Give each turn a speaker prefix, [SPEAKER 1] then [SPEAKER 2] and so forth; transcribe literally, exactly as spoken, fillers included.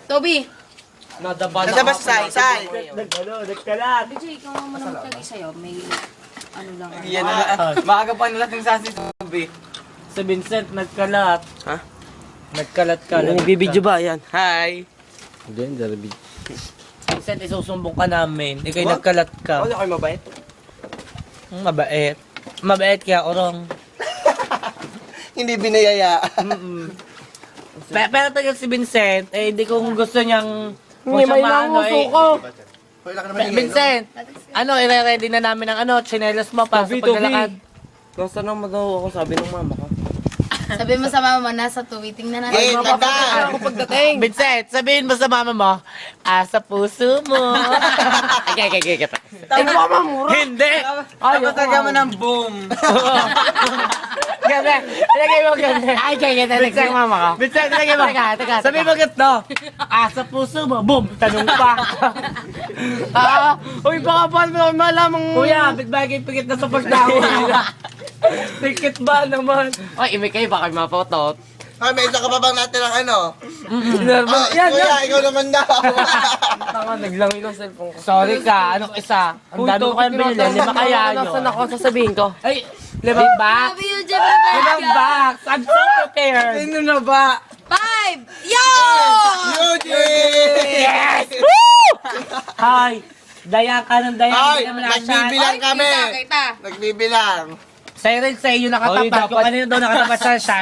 [SPEAKER 1] Toby!
[SPEAKER 2] Nadaba
[SPEAKER 3] Nasa ba sa say?
[SPEAKER 2] Nag, ano, nagkalat.
[SPEAKER 1] B J, ikaw naman ang magtagay sa'yo. May ano lang. ano.
[SPEAKER 3] Yan na. Maaga pa nalating sa si Toby.
[SPEAKER 2] Si Vincent, nagkalat.
[SPEAKER 3] Ha?
[SPEAKER 2] Nagkalat ka.
[SPEAKER 3] Nagbibidyo ba? Yan. Hi.
[SPEAKER 2] Hindi, hindi. Vincent, isusumbong ka namin. Ikaw'y nagkalat ka.
[SPEAKER 3] Ako kayo mabait.
[SPEAKER 2] Mm, Mabait. Mabait kaya orong.
[SPEAKER 3] Hindi binayayaan.
[SPEAKER 2] Mm-mm. Pero, pero tagal si Vincent, eh, hindi kung gusto niyang kung
[SPEAKER 4] Hindi,
[SPEAKER 2] siya
[SPEAKER 4] may
[SPEAKER 2] maano,
[SPEAKER 4] nanguso
[SPEAKER 2] eh.
[SPEAKER 4] ko.
[SPEAKER 2] Be- Vincent, ano, ire-ready na namin ang ano, chinelas mo para sa
[SPEAKER 4] Toby,
[SPEAKER 2] paglalakad.
[SPEAKER 3] Nasa naman daw ako sabi ng mama ko.
[SPEAKER 1] Sabi mo sa mama mo, nasa Toby. Tingnan natin.
[SPEAKER 3] Eh, tanda!
[SPEAKER 4] Ako pagdating.
[SPEAKER 2] Vincent, sabihin mo sa mama mo, ah, sa puso mo. Okay, okay, okay, okay.
[SPEAKER 4] Ay, mama, mura.
[SPEAKER 2] Hindi!
[SPEAKER 3] Ayaw talaga mo ng boom.
[SPEAKER 2] Gabi, ilagay mo ganun. Ay, kaya kaya
[SPEAKER 4] Vincent, mama ka.
[SPEAKER 2] Vincent, ilagay mo.
[SPEAKER 4] Teka, teka,
[SPEAKER 2] Sabihin mo ganito, ah, sa puso mo, boom, tanong pa.
[SPEAKER 4] Ah, uy, baka paano mo naman malamang...
[SPEAKER 2] Kuya, bitbagay pigit na sa pagdawa. Tikit ba naman?
[SPEAKER 4] Ay, imik kayo, baka mapotot.
[SPEAKER 3] Ay, may isa ka pa bang natin ng ano?
[SPEAKER 2] Nervous.
[SPEAKER 3] Ah,
[SPEAKER 2] Yan,
[SPEAKER 3] kuya,
[SPEAKER 2] yan.
[SPEAKER 3] ikaw naman daw.
[SPEAKER 4] Tama, naglangoy ng cellphone ko.
[SPEAKER 2] Sorry ka, anong isa? Ang dami ko kayong binili, lima kaya nyo.
[SPEAKER 4] Nasaan ako sasabihin ko?
[SPEAKER 2] Ay, limang box?
[SPEAKER 1] Love you, Jeffrey.
[SPEAKER 2] Limang box! I'm so prepared!
[SPEAKER 3] Sino na ba?
[SPEAKER 1] Five! Yo!
[SPEAKER 3] Eugene!
[SPEAKER 2] Yes! Woo! Hi! Daya ka ng daya,
[SPEAKER 3] Ay,
[SPEAKER 2] hindi naman nasyan.
[SPEAKER 3] nagbibilang kami.
[SPEAKER 1] Kita, kita.
[SPEAKER 3] Nagbibilang.
[SPEAKER 2] Sa'yo rin sa iyo nakatapat. Kung kanino daw nakatapat sa siya,